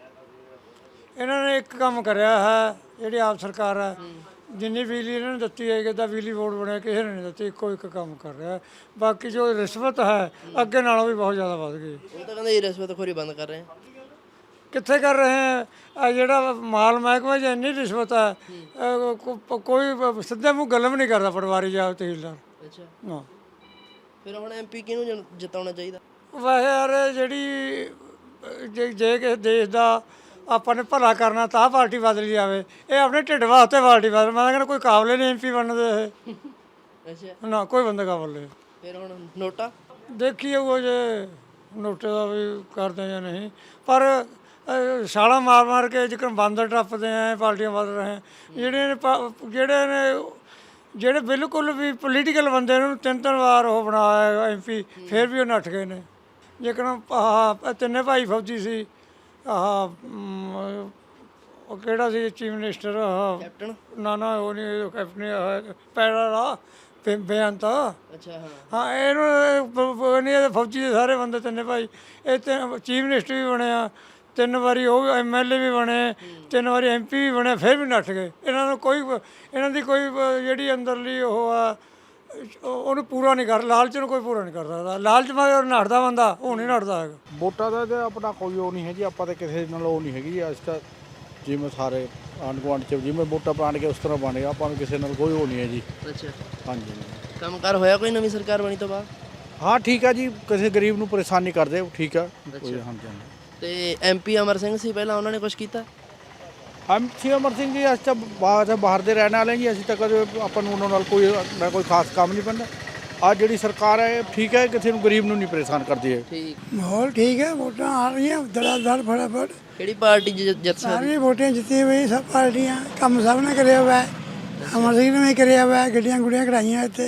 Speaker 4: ਇਹਨਾਂ ਨੇ ਇੱਕ ਕੰਮ ਕਰਿਆ ਹੈ ਜਿਹੜੀ ਆਪ ਸਰਕਾਰ ਹੈ, ਜਿੰਨੀ ਬਿਜਲੀ ਇਹਨਾਂ ਨੇ ਦਿੱਤੀ ਹੈ ਕਿੱਦਾਂ ਬਿਜਲੀ ਬੋਰਡ ਬਣਿਆ ਕਿਸੇ ਨੇ ਨਹੀਂ ਦਿੱਤੀ। ਇੱਕੋ ਇੱਕ ਕੰਮ ਕਰ ਰਿਹਾ। ਬਾਕੀ ਜੋ ਰਿਸ਼ਵਤ ਹੈ ਅੱਗੇ ਨਾਲੋਂ ਵੀ ਬਹੁਤ ਜ਼ਿਆਦਾ ਵੱਧ ਗਈ।
Speaker 2: ਉਹ ਤਾਂ ਕਹਿੰਦੇ ਰਿਸ਼ਵਤਖੋਰੀ ਬੰਦ ਕਰ ਰਹੇ ਆ।
Speaker 4: ਕਿੱਥੇ ਕਰ ਰਹੇ ਹੈ? ਆ ਜਿਹੜਾ ਮਾਲ ਮਹਿਕਮਾ 'ਚ ਇੰਨੀ ਰਿਸ਼ਵਤ ਹੈ ਕੋਈ ਸਿੱਧੇ ਮੂੰਹ ਗੱਲ ਵੀ ਨਹੀਂ ਕਰਦਾ ਪਟਵਾਰੀ ਜਾਂ ਤਹਿਸੀਲਦਾਰ।
Speaker 2: ਅੱਛਾ।
Speaker 4: ਹਾਂ
Speaker 2: ਫਿਰ ਹੁਣ ਐਮਪੀ ਕਿਹਨੂੰ ਜਿਤਾਉਣਾ ਚਾਹੀਦਾ?
Speaker 4: ਵੈਸੇ ਯਾਰ ਜਿਹੜੀ ਜੇ ਕਿਸੇ ਦੇਸ਼ ਦਾ ਆਪਾਂ ਨੇ ਭਲਾ ਕਰਨਾ ਤਾਂ ਪਾਰਟੀ ਬਦਲੀ ਜਾਵੇ। ਇਹ ਆਪਣੇ ਢਿੱਡ ਵਾਸਤੇ ਪਾਰਟੀ ਬਦਲ। ਮੈਂ ਕਹਿੰਦਾ ਕੋਈ ਕਾਬਲੇ ਨਹੀਂ ਐਮਪੀ ਬਣਨ ਦੇ ਇਹ।
Speaker 2: ਅੱਛਾ।
Speaker 4: ਨਾ ਕੋਈ ਬੰਦਾ ਕਾਬਲ ਨਹੀਂ।
Speaker 2: ਫਿਰ ਹੁਣ ਨੋਟਾ
Speaker 4: ਦੇਖੀਏ ਉਹ ਜੇ ਨੋਟੇ ਦਾ ਵੀ ਕਰਦੇ ਜਾਂ ਨਹੀਂ। ਪਰ ਛਾਲਾਂ ਮਾਰ ਮਾਰ ਕੇ ਜਿਕਰ ਬਾਂਦਰ ਟੱਪਦੇ ਆ ਪਾਰਟੀਆਂ ਵੱਧ ਰਹੇ ਜਿਹੜੇ ਬਿਲਕੁਲ ਵੀ ਪੋਲੀਟੀਕਲ ਬੰਦੇ ਨੂੰ 3 ਵਾਰ ਉਹ ਬਣਾਇਆ MP, ਫਿਰ ਵੀ ਉਹ ਨੱਠ ਗਏ ਨੇ। ਜੇਕਰ ਆਹ ਤਿੰਨੇ ਭਾਈ ਫੌਜੀ ਸੀ, ਉਹ ਕਿਹੜਾ ਸੀ ਚੀਫ ਮਿਨਿਸਟਰ,
Speaker 2: ਕੈਪਟਨ
Speaker 4: ਨਾ ਉਹ ਨਹੀਂ ਕੈਪਟਨ ਪੈਰਾ ਦਾ ਬੇਅੰਤ।
Speaker 2: ਅੱਛਾ ਹਾਂ
Speaker 4: ਹਾਂ ਇਹਨੂੰ ਨਹੀਂ ਫੌਜੀ ਦੇ ਸਾਰੇ ਬੰਦੇ ਤਿੰਨੇ ਭਾਈ। ਇਹ ਚੀਫ ਮਿਨਿਸਟਰ ਵੀ ਬਣਿਆ 3 ਵਾਰੀ, ਉਹ MLA ਵੀ ਬਣੇ 3 ਵਾਰੀ, MP ਵੀ ਬਣੇ, ਫਿਰ ਵੀ ਨੱਠ ਗਏ। ਇਹਨਾਂ ਦੀ ਕੋਈ ਜਿਹੜੀ ਅੰਦਰਲੀ ਉਹ ਆ ਉਹਨੂੰ ਪੂਰਾ ਨਹੀਂ ਕਰ, ਲਾਲਚ ਨੂੰ ਕੋਈ ਪੂਰਾ ਨਹੀਂ ਕਰ ਸਕਦਾ। ਲਾਲਚ ਮਗਰ ਨੱਠਦਾ ਬੰਦਾ, ਉਹ ਨਹੀਂ ਨੱਠਦਾ ਹੈਗਾ।
Speaker 12: ਵੋਟਾਂ ਦਾ ਤਾਂ ਆਪਣਾ ਕੋਈ ਉਹ ਨਹੀਂ ਹੈ ਜੀ, ਆਪਾਂ ਤਾਂ ਕਿਸੇ ਨਾਲ ਉਹ ਨਹੀਂ ਹੈਗੀ। ਅੱਜ ਤਾਂ ਜਿਵੇਂ ਸਾਰੇ ਆਂਢ ਗੁਆਂਢ 'ਚ ਜਿਵੇਂ ਵੋਟਾਂ ਪਾਣ ਕੇ ਉਸ ਤਰ੍ਹਾਂ ਬਣ ਗਿਆ, ਆਪਾਂ ਨੂੰ ਕਿਸੇ ਨਾਲ ਕੋਈ ਉਹ ਨਹੀਂ ਹੈ ਜੀ।
Speaker 2: ਅੱਛਾ
Speaker 12: ਹਾਂਜੀ
Speaker 2: ਕੰਮਕਾਰ ਹੋਇਆ ਕੋਈ ਨਵੀਂ ਸਰਕਾਰ ਬਣੀ ਤੋਂ ਬਾਅਦ?
Speaker 12: ਹਾਂ ਠੀਕ ਹੈ ਜੀ, ਕਿਸੇ ਗਰੀਬ ਨੂੰ ਪਰੇਸ਼ਾਨ ਨਹੀਂ ਕਰਦੇ, ਠੀਕ ਆ। ਹਾਂਜੀ ਹਾਂਜੀ।
Speaker 2: ਤੇ MP ਅਮਰ ਸਿੰਘ ਸੀ ਪਹਿਲਾਂ, ਉਹਨਾਂ ਨੇ ਕੁਝ ਕੀਤਾ?
Speaker 12: MP ਅਮਰ ਸਿੰਘ ਜੀ ਅਸੀਂ ਤਾਂ ਬਾਹਰ ਦੇ ਰਹਿਣ ਵਾਲੇ ਜੀ, ਅਸੀਂ ਤਾਂ ਕਦੇ ਆਪਾਂ ਨੂੰ ਉਹਨਾਂ ਨਾਲ ਕੋਈ ਖਾਸ ਕੰਮ ਨਹੀਂ ਪੈਂਦਾ। ਅੱਜ ਜਿਹੜੀ ਸਰਕਾਰ ਹੈ ਠੀਕ ਹੈ, ਕਿਸੇ ਨੂੰ ਗਰੀਬ ਨੂੰ ਨਹੀਂ ਪਰੇਸ਼ਾਨ ਕਰਦੀ ਹੈ।
Speaker 2: ਠੀਕ
Speaker 4: ਮਾਹੌਲ ਠੀਕ ਹੈ, ਵੋਟਾਂ ਆ ਰਹੀਆਂ ਦੜਾ ਫਟਾਫਟ।
Speaker 2: ਕਿਹੜੀ ਪਾਰਟੀ ਜਿੱਤ ਸਕਦੀ?
Speaker 4: ਸਾਰੀਆਂ ਵੋਟਾਂ ਜਿੱਤੀਆਂ ਹੋਈ ਸਭ ਪਾਰਟੀਆਂ, ਕੰਮ ਸਭ ਨੇ ਕਰਿਆ ਹੋਇਆ ਹੈ। ਅਮਰ ਸਿੰਘ ਨੇ ਵੀ ਕਰਿਆ ਹੋਇਆ, ਗੱਡੀਆਂ ਗੁੱਡੀਆਂ ਕਢਾਈਆਂ ਇੱਥੇ।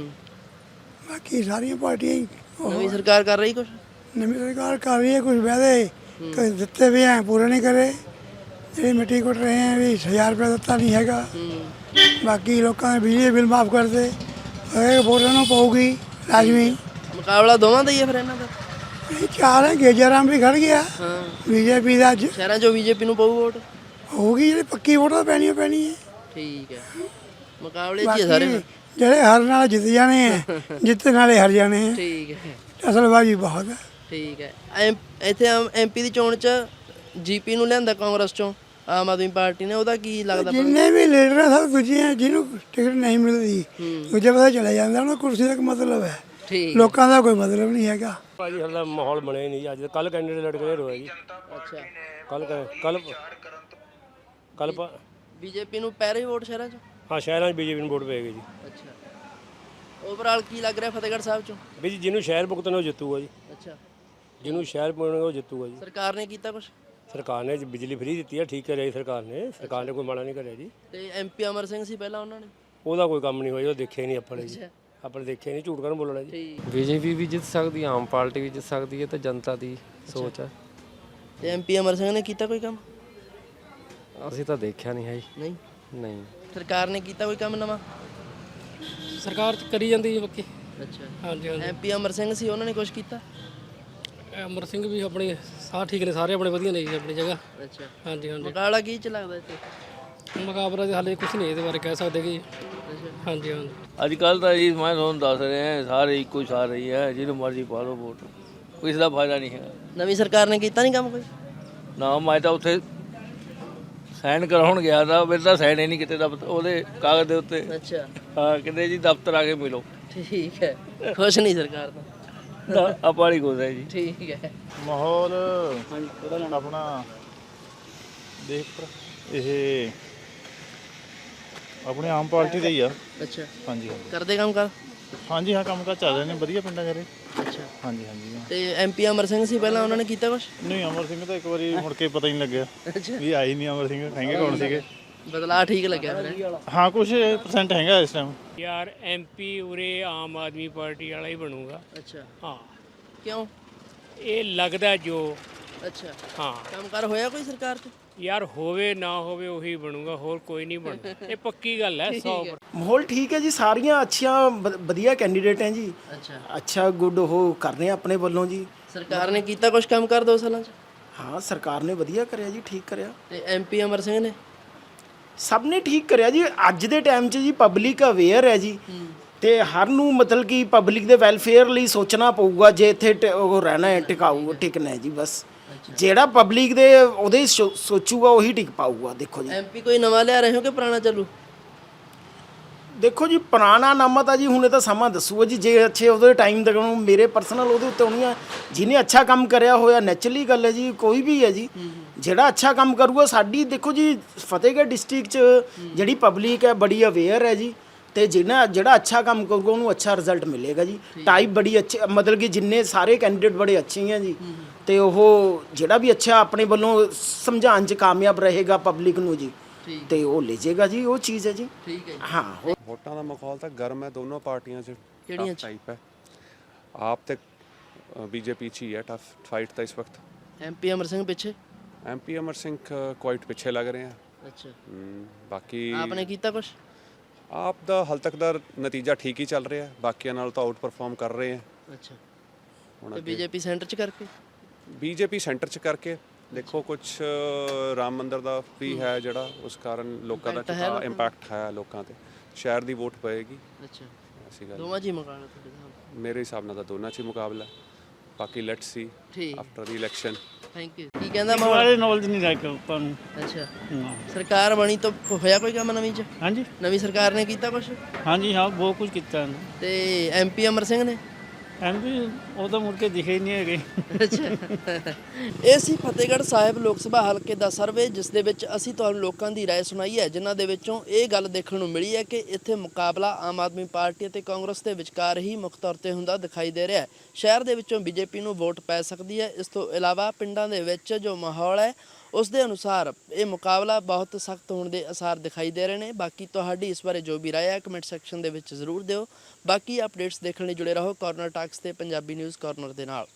Speaker 4: ਬਾਕੀ ਸਾਰੀਆਂ ਪਾਰਟੀਆਂ ਹੀ
Speaker 2: ਨਵੀਂ ਸਰਕਾਰ ਕਰ ਰਹੀ ਕੁਝ?
Speaker 4: ਨਵੀਂ ਸਰਕਾਰ ਕਰ ਰਹੀ ਹੈ, ਕੁਝ ਵਾਅਦੇ ਦਿੱਤੇ ਵੀ ਹੈ, ਪੂਰੇ ਨਹੀਂ ਕਰੇ। ਜਿਹੜੀ ਮਿੱਟੀ ਕੁੱਟ ਰਹੇ ਹੈ ਵੀ 1000 ਰੁਪਏ ਦਿੱਤਾ ਨਹੀਂ ਹੈਗਾ। ਬਾਕੀ ਲੋਕਾਂ ਦੇ ਬਿਜਲੀ ਬਿੱਲ ਮਾਫ ਕਰਦੇ, ਵੋਟਾਂ ਨੂੰ ਪਊਗੀ ਲਾਜ਼ਮੀ।
Speaker 2: ਮੁਕਾਬਲਾ ਦੋਵਾਂ ਦਾ ਹੀ ਹੈ ਫਿਰ ਇਹਨਾਂ ਦਾ?
Speaker 4: ਇਹ ਚਾਰ ਹੈ, ਗੇਜਰਾਮ ਵੀ ਖੜ ਗਿਆ BJP ਦਾ। ਅੱਜ
Speaker 2: ਸ਼ਹਿਰਾਂ 'ਚੋਂ BJP ਨੂੰ ਪਊ ਵੋਟ?
Speaker 4: ਹੋਊਗੀ, ਜਿਹੜੀ ਪੱਕੀ ਵੋਟ ਤਾਂ ਪੈਣੀ ਹੈ।
Speaker 2: ਠੀਕ ਹੈ, ਮੁਕਾਬਲੇ 'ਚ ਹੀ ਸਾਰੇ।
Speaker 4: ਜਿਹੜੇ ਹਾਰਨ ਨਾਲ ਜਿੱਤ ਜਾਣੇ ਹੈ, ਜਿੱਤਣ ਵਾਲੇ ਹਾਰ ਜਾਣੇ ਹੈ।
Speaker 2: ਠੀਕ ਹੈ,
Speaker 4: ਅਸਲਬਾਜ਼ੀ ਬਹੁਤ ਹੈ।
Speaker 2: ਠੀਕ ਹੈ। ਇੱਥੇ MP ਦੀ ਚੋਣ 'ਚ GP ਨੂੰ ਲਿਆਂਦਾ ਕਾਂਗਰਸ 'ਚੋਂ, ਆਮ ਆਦਮੀ ਪਾਰਟੀ ਨੇ, ਉਹਦਾ ਕੀ ਲੱਗਦਾ?
Speaker 4: ਜਿੰਨੇ ਵੀ ਲੀਡਰ ਆ ਸਭ ਦੂਜੇ ਆ, ਜਿਹਨੂੰ ਟਿਕਟ ਨਹੀਂ ਮਿਲਦੀ ਦੂਜੇ ਪਾਸੇ ਚਲੇ ਜਾਂਦਾ। ਉਹਨਾਂ ਕੁਰਸੀ ਦਾ ਮਤਲਬ ਹੈ, ਲੋਕਾਂ ਦਾ ਕੋਈ ਮਤਲਬ ਨਹੀਂ ਹੈਗਾ।
Speaker 13: ਭਾਜੀ ਹਾਲੇ ਮਾਹੌਲ ਬਣਿਆ ਨਹੀਂ। ਅੱਜ ਕੱਲ ਕੈਂਡੀਡੇਟ ਲੜ ਕੇ ਹੋਇਆ ਜੀ।
Speaker 2: ਅੱਛਾ
Speaker 13: ਕੱਲ
Speaker 2: BJP ਨੂੰ ਪੈ ਰਹੀ ਵੋਟ ਸ਼ਹਿਰਾਂ 'ਚ?
Speaker 13: ਹਾਂ ਸ਼ਹਿਰਾਂ 'ਚ BJP ਨੂੰ ਵੋਟ ਪਏਗੀ ਜੀ।
Speaker 2: ਅੱਛਾ, ਓਵਰਆਲ ਕੀ ਲੱਗ ਰਿਹਾ ਫਤਿਹਗੜ੍ਹ ਸਾਹਿਬ 'ਚੋਂ?
Speaker 13: ਵੀ ਜੀ ਜਿਹਨੂੰ ਸ਼ਹਿਰ ਭੁਗਤਣਾ ਉਹ ਜਿੱਤੂਗਾ ਜੀ।
Speaker 2: ਅੱਛਾ,
Speaker 13: ਜਿਹਨੂੰ ਸ਼ਹਿਰ ਭੁਗਤਣਾ ਉਹ ਜਿੱਤੂਗਾ ਜੀ।
Speaker 2: ਸਰਕਾਰ ਨੇ ਕੀਤਾ ਕੁਝ?
Speaker 13: ਸਰਕਾਰ ਨੇ ਬਿਜਲੀ ਫ੍ਰੀ ਦਿੱਤੀ ਹੈ, ਠੀਕ ਕਰਿਆ ਜੀ ਸਰਕਾਰ ਨੇ ਕੋਈ ਮਾੜਾ ਨਹੀਂ ਕਰਿਆ ਜੀ।
Speaker 2: ਤੇ MP ਅਮਰ ਸਿੰਘ ਸੀ ਪਹਿਲਾਂ, ਉਹਨਾਂ ਨੇ?
Speaker 13: ਉਹਦਾ ਕੋਈ ਕੰਮ ਨਹੀਂ ਹੋਇਆ, ਉਹ ਦੇਖਿਆ ਨਹੀਂ ਆਪਾਂ ਨੇ ਜੀ। ਆਪਾਂ ਨੇ ਦੇਖਿਆ ਨਹੀਂ, ਝੂਠ ਕਰਨ ਬੋਲਣਾ ਜੀ।
Speaker 14: BJP ਵੀ ਜਿੱਤ ਸਕਦੀ, ਆਮ ਪਾਰਟੀ ਵੀ ਜਿੱਤ ਸਕਦੀ ਹੈ, ਤਾਂ ਜਨਤਾ ਦੀ ਸੋਚ ਹੈ।
Speaker 2: ਤੇ MP ਅਮਰ ਸਿੰਘ ਨੇ ਕੀਤਾ ਕੋਈ ਕੰਮ?
Speaker 14: ਅਸੀਂ ਤਾਂ ਦੇਖਿਆ ਨਹੀਂ ਹੈ ਜੀ। ਨਹੀਂ।
Speaker 2: ਸਰਕਾਰ ਨੇ ਕੀਤਾ ਕੋਈ ਕੰਮ ਨਵਾਂ?
Speaker 15: ਸਰਕਾਰ ਕਰੀ ਜਾਂਦੀ ਹੈ ਬਾਕੀ।
Speaker 2: ਅੱਛਾ
Speaker 15: ਹਾਂਜੀ ਹਾਂਜੀ।
Speaker 2: MP ਅਮਰ ਸਿੰਘ ਸੀ, ਉਹਨਾਂ ਨੇ ਕੁਝ ਕੀਤਾ?
Speaker 15: ਅਮਰ ਸਿੰਘ ਵੀ ਆਪਣੇ ਸਾਹ ਠੀਕ ਨੇ, ਸਾਰੇ ਆਪਣੇ ਵਧੀਆ ਨੇ ਜੀ ਆਪਣੀ ਜਗ੍ਹਾ।
Speaker 2: ਅੱਛਾ
Speaker 15: ਹਾਂਜੀ ਹਾਂਜੀ।
Speaker 2: ਮੁਕਾਬਲਾ ਕੀ ਚ ਲੱਗਦਾ ਇੱਥੇ?
Speaker 15: ਮੁਕਾਬਲਾ ਦੇ ਹਾਲੇ ਕੁਝ ਨਹੀਂ ਇਹਦੇ ਬਾਰੇ ਕਹਿ ਸਕਦੇ ਕਿ। ਹਾਂਜੀ ਹਾਂਜੀ।
Speaker 16: ਅੱਜ ਕੱਲ੍ਹ ਤਾਂ ਜੀ ਮੈਂ ਤੁਹਾਨੂੰ ਦੱਸ ਰਿਹਾ, ਸਾਰੇ ਇੱਕੋ ਸਾਰ ਰਹੀ ਹੈ, ਜਿਹਨੂੰ ਮਰਜ਼ੀ ਪਾ ਲਓ ਵੋਟ, ਕੋਈ ਇਸ ਦਾ ਫਾਇਦਾ ਨਹੀਂ ਹੈ।
Speaker 2: ਨਵੀਂ ਸਰਕਾਰ ਨੇ ਕੀਤਾ ਨਹੀਂ ਕੰਮ ਕੋਈ?
Speaker 16: ਨਾ ਮੈਂ ਤਾਂ ਉੱਥੇ ਸਾਈਨ ਕਰਾਉਣ ਗਿਆ ਤਾਂ ਮੇਰੇ ਤਾਂ ਸਾਈਨ ਹੀ ਨਹੀਂ ਕਿਤੇ ਉਹਦੇ ਕਾਗਜ਼ ਦੇ ਉੱਤੇ।
Speaker 2: ਅੱਛਾ
Speaker 16: ਹਾਂ, ਕਹਿੰਦੇ ਜੀ ਦਫ਼ਤਰ ਆ ਕੇ ਮਿਲੋ।
Speaker 2: ਠੀਕ ਹੈ, ਖੁਸ਼ ਨਹੀਂ ਸਰਕਾਰ ਤੋਂ?
Speaker 16: ਆਪਾਂ ਨਹੀਂ ਖੁਸ਼ ਹੈ ਜੀ।
Speaker 2: ਠੀਕ ਹੈ।
Speaker 17: ਮਾਹੌਲ ਆਪਣਾ ਦੇਖ ਇਹ ਆਪਣੇ ਆਮ ਪਾਰਟੀ ਦਾ ਹੀ ਆ।
Speaker 2: ਅੱਛਾ
Speaker 17: ਹਾਂਜੀ
Speaker 2: ਕਰਦੇ ਕੰਮ ਕਰ?
Speaker 17: ਹਾਂਜੀ ਹਾਂ, ਕੰਮ ਕਾਰ ਚੱਲ ਰਹੇ ਨੇ ਵਧੀਆ ਪਿੰਡਾਂ ਜਾਰੇ।
Speaker 2: ਅੱਛਾ
Speaker 17: ਹਾਂਜੀ ਹਾਂਜੀ।
Speaker 2: ਤੇ MP ਅਮਰ ਸਿੰਘ ਸੀ ਪਹਿਲਾਂ, ਉਹਨਾਂ ਨੇ ਕੀਤਾ ਕੁਛ?
Speaker 17: ਨਹੀਂ, ਅਮਰ ਸਿੰਘ ਤਾਂ ਇੱਕ ਵਾਰੀ ਮੁੜ ਕੇ ਪਤਾ ਹੀ ਨਹੀਂ ਲੱਗਿਆ ਵੀ ਆਈ ਨਹੀਂ ਅਮਰ ਸਿੰਘ, ਹੈਗੇ ਕੌਣ ਸੀਗੇ।
Speaker 2: ਬਦਲਾਅ ਠੀਕ ਲੱਗਿਆ ਫਿਰ?
Speaker 17: ਹਾਂ, ਕੁਝ % ਹੈਗਾ ਇਸ ਟਾਈਮ।
Speaker 15: ਯਾਰ MP ਉਰੇ ਆਮ ਆਦਮੀ ਪਾਰਟੀ ਵਾਲਾ ਹੀ ਬਣੂਗਾ।
Speaker 2: ਅੱਛਾ
Speaker 15: ਹਾਂ।
Speaker 2: ਕਿਉਂ?
Speaker 15: ਇਹ ਲੱਗਦਾ ਜੋ।
Speaker 2: ਅੱਛਾ
Speaker 15: ਹਾਂ।
Speaker 2: ਕੰਮਕਾਰ ਹੋਇਆ ਕੋਈ ਸਰਕਾਰ 'ਚ?
Speaker 15: ਯਾਰ ਹੋਵੇ ਨਾ ਹੋਵੇ ਉਹੀ ਬਣੂਗਾ, ਹੋਰ ਕੋਈ ਨਹੀਂ ਬਣਦਾ, ਇਹ ਪੱਕੀ ਗੱਲ ਹੈ 100%।
Speaker 6: ਮਾਹੌਲ ਠੀਕ ਹੈ ਜੀ, ਸਾਰੀਆਂ ਅੱਛੀਆਂ ਵਧੀਆ ਕੈਂਡੀਡੇਟ ਹੈ ਜੀ। ਅੱਛਾ ਗੁੱਡ ਉਹ ਕਰ ਰਹੇ ਆ ਆਪਣੇ ਵੱਲੋਂ ਜੀ।
Speaker 2: ਸਰਕਾਰ ਨੇ ਕੀਤਾ ਕੁਝ ਕੰਮ ਕਰ 2 ਸਾਲਾਂ 'ਚ?
Speaker 6: ਹਾਂ, ਸਰਕਾਰ ਨੇ ਵਧੀਆ ਕਰਿਆ ਜੀ, ਠੀਕ ਕਰਿਆ।
Speaker 2: ਤੇ MP ਅਮਰ ਸਿੰਘ ਨੇ?
Speaker 6: ਸਭ ਨੇ ਠੀਕ ਕਰਿਆ ਜੀ। ਅੱਜ ਦੇ ਟਾਈਮ 'ਚ ਜੀ ਪਬਲਿਕ ਅਵੇਅਰ ਹੈ ਜੀ, ਤੇ ਹਰ ਨੂੰ ਮਤਲਬ ਕਿ ਪਬਲਿਕ ਦੇ ਵੈਲਫੇਅਰ ਲਈ ਸੋਚਣਾ ਪਊਗਾ ਜੇ ਇੱਥੇ ਉਹ ਰਹਿਣਾ ਹੈ, ਟਿਕਾਊ ਟਿਕਣਾ ਹੈ ਜੀ। ਬਸ ਜਿਹੜਾ ਪਬਲਿਕ ਦੇ ਉਹਦੇ ਸੋਚੂਗਾ ਉਹੀ ਟਿਕ ਪਾਊਗਾ। ਦੇਖੋ ਜੀ
Speaker 2: MP ਕੋਈ ਨਵਾਂ ਲਿਆ ਰਹੇ ਹੋ ਕਿ ਪੁਰਾਣਾ ਚੱਲੂ?
Speaker 6: ਦੇਖੋ ਜੀ, ਪੁਰਾਣਾ ਨਾਮਾ ਤਾਂ ਜੀ ਹੁਣੇ ਤਾਂ ਸਮਾਂ ਦੱਸੂਗਾ ਜੀ। ਜੇ ਅੱਛੇ ਉਹਦੇ ਟਾਈਮ ਤੱਕ ਮੇਰੇ ਪਰਸਨਲ ਉਹਦੇ ਉੱਤੇ ਹੋਣੀ ਆ, ਜਿਹਨੇ ਅੱਛਾ ਕੰਮ ਕਰਿਆ ਹੋਇਆ ਨੈਚੁਰਲੀ ਗੱਲ ਹੈ ਜੀ, ਕੋਈ ਵੀ ਹੈ ਜੀ ਜਿਹੜਾ ਅੱਛਾ ਕੰਮ ਕਰੂਗਾ। ਸਾਡੀ ਦੇਖੋ ਜੀ ਫਤਿਹਗੜ੍ਹ ਡਿਸਟ੍ਰਿਕਟ 'ਚ ਜਿਹੜੀ ਪਬਲਿਕ ਹੈ ਬੜੀ ਅਵੇਅਰ ਹੈ ਜੀ, ਤੇ ਜਿਹੜਾ ਅੱਛਾ ਕੰਮ ਕਰੂਗਾ ਉਹਨੂੰ ਅੱਛਾ ਰਿਜ਼ਲਟ ਮਿਲੇਗਾ ਜੀ। ਟਾਈਪ ਬੜੀ ਅੱਛੀ, ਮਤਲਬ ਕਿ ਜਿੰਨੇ ਸਾਰੇ ਕੈਂਡੀਡੇਟ ਬੜੇ ਅੱਛੇ ਹੈ ਜੀ, ਤੇ ਉਹ ਜਿਹੜਾ ਵੀ ਅੱਛਾ ਆਪਣੇ ਵੱਲੋਂ ਸਮਝਾਉਣ 'ਚ ਕਾਮਯਾਬ ਰਹੇਗਾ ਪਬਲਿਕ ਨੂੰ ਜੀ, ਤੇ ਉਹ ਲੈ ਜਾਏਗਾ ਜੀ, ਉਹ ਚੀਜ਼ ਹੈ ਜੀ।
Speaker 2: ਠੀਕ ਹੈ
Speaker 6: ਹਾਂ।
Speaker 18: ਵੋਟਾਂ ਦਾ ਮਾਹੌਲ ਤਾਂ ਗਰਮ ਹੈ ਦੋਨੋਂ ਪਾਰਟੀਆਂ 'ਚ।
Speaker 2: ਕਿਹੜੀਆਂ
Speaker 18: ਟਾਈਪ ਹੈ ਆਪ ਤੇ ਬੀਜੇਪੀ 'ਚ ਹੀ ਹੈ ਟਫ ਫਾਈਟ ਤਾਂ ਇਸ ਵਕਤ।
Speaker 2: ਐਮਪੀ ਅਮਰ ਸਿੰਘ ਪਿੱਛੇ?
Speaker 18: ਐਮਪੀ ਅਮਰ ਸਿੰਘ ਕੁਆਇਟ ਪਿੱਛੇ ਲੱਗ ਰਹੇ ਆ।
Speaker 2: ਅੱਛਾ।
Speaker 18: ਬਾਕੀ
Speaker 2: ਆਪਨੇ ਕੀਤਾ ਕੁਛ?
Speaker 18: ਆਪ ਦਾ ਹਾਲ ਤੱਕ ਦਾ ਨਤੀਜਾ ਠੀਕ ਹੀ ਚੱਲ ਰਿਹਾ, ਬਾਕੀਆਂ ਨਾਲ ਤਾਂ ਆਊਟ ਪਰਫਾਰਮ ਕਰ ਰਹੇ ਆ।
Speaker 2: ਅੱਛਾ।
Speaker 18: ਹੁਣ
Speaker 2: ਤੇ ਬੀਜੇਪੀ ਸੈਂਟਰ 'ਚ ਕਰਕੇ?
Speaker 18: ਬੀਜੇਪੀ ਸੈਂਟਰ 'ਚ ਕਰਕੇ ਦੇਖੋ ਕੁਝ ਰਾਮ ਮੰਦਿਰ ਦਾ ਵੀ ਹੈ ਜਿਹੜਾ, ਉਸ ਕਾਰਨ ਲੋਕਾਂ ਦਾ ਇੰਪੈਕਟ ਹੈ ਲੋਕਾਂ ਤੇ, ਸ਼ਹਿਰ ਦੀ ਵੋਟ ਪਏਗੀ।
Speaker 2: ਅੱਛਾ।
Speaker 18: ਐਸੀ ਗੱਲ
Speaker 2: ਦੋਵਾਂ 'ਚ ਹੀ ਮੁਕਾਬਲਾ ਤੁਹਾਡੇ ਨਾਲ?
Speaker 18: ਮੇਰੇ ਹਿਸਾਬ ਨਾਲ ਤਾਂ ਦੋਨਾਂ 'ਚ ਹੀ ਮੁਕਾਬਲਾ, ਬਾਕੀ let's see after the election.
Speaker 2: Thank you. ਕੀ ਕਹਿੰਦਾ ਮਾਹੌਲ?
Speaker 9: ਨੌਲੇਜ ਨਹੀਂ ਰੱਖ ਆਪਾਂ ਨੂੰ।
Speaker 2: ਅੱਛਾ। ਸਰਕਾਰ ਬਣੀ ਤਾਂ ਹੋਇਆ ਕੋਈ ਕੰਮ ਨਵੀਂ 'ਚ?
Speaker 9: ਹਾਂਜੀ।
Speaker 2: ਨਵੀਂ ਸਰਕਾਰ ਨੇ ਕੀਤਾ ਕੁਛ?
Speaker 9: ਹਾਂਜੀ ਹਾਂ, ਬਹੁਤ ਕੁਝ ਕੀਤਾ ਇਹਨੇ।
Speaker 2: ਤੇ ਐਮਪੀ ਅਮਰ ਸਿੰਘ ਨੇ?
Speaker 9: ਐਮਪੀ ਉਹ ਤਾਂ ਮੁੜ ਕੇ ਦਿਖੇ ਹੀ ਨਹੀਂ ਹੈਗੇ।
Speaker 2: ਅੱਛਾ। ਇਹ ਸੀ ਫਤਿਹਗੜ੍ਹ ਸਾਹਿਬ ਲੋਕ ਸਭਾ ਹਲਕੇ ਦਾ ਸਰਵੇ, ਜਿਸ ਦੇ ਵਿੱਚ ਅਸੀਂ ਤੁਹਾਨੂੰ ਲੋਕਾਂ ਦੀ ਰਾਏ ਸੁਣਾਈ ਹੈ, ਜਿਨ੍ਹਾਂ ਦੇ ਵਿੱਚੋਂ ਇਹ ਗੱਲ ਦੇਖਣ ਨੂੰ ਮਿਲੀ ਹੈ ਕਿ ਇੱਥੇ ਮੁਕਾਬਲਾ ਆਮ ਆਦਮੀ ਪਾਰਟੀ ਅਤੇ ਕਾਂਗਰਸ ਦੇ ਵਿਚਕਾਰ ਹੀ ਮੁੱਖ ਤੌਰ ਤੇ ਹੁੰਦਾ ਦਿਖਾਈ ਦੇ ਰਿਹਾ ਹੈ। ਸ਼ਹਿਰ ਦੇ ਵਿੱਚੋਂ ਬੀਜੇਪੀ ਨੂੰ ਵੋਟ ਪੈ ਸਕਦੀ ਹੈ। ਇਸ ਤੋਂ ਇਲਾਵਾ ਪਿੰਡਾਂ ਦੇ ਵਿੱਚ ਜੋ ਮਾਹੌਲ ਹੈ ਉਸ ਦੇ ਅਨੁਸਾਰ ਇਹ ਮੁਕਾਬਲਾ ਬਹੁਤ ਸਖਤ ਹੋਣ ਦੇ ਅਸਾਰ ਦਿਖਾਈ ਦੇ ਰਹੇ ਨੇ। ਬਾਕੀ ਤੁਹਾਡੀ ਇਸ ਬਾਰੇ ਜੋ ਵੀ ਰਾਏ ਹੈ ਕਮੈਂਟ ਸੈਕਸ਼ਨ ਦੇ ਵਿੱਚ ਜ਼ਰੂਰ ਦਿਓ। ਬਾਕੀ ਅਪਡੇਟਸ ਦੇਖਣ ਲਈ ਜੁੜੇ ਰਹੋ ਕਾਰਨਰ ਟਾਕਸ ਤੇ ਪੰਜਾਬੀ ਨਿਊਜ਼ ਕਾਰਨਰ ਦੇ ਨਾਲ।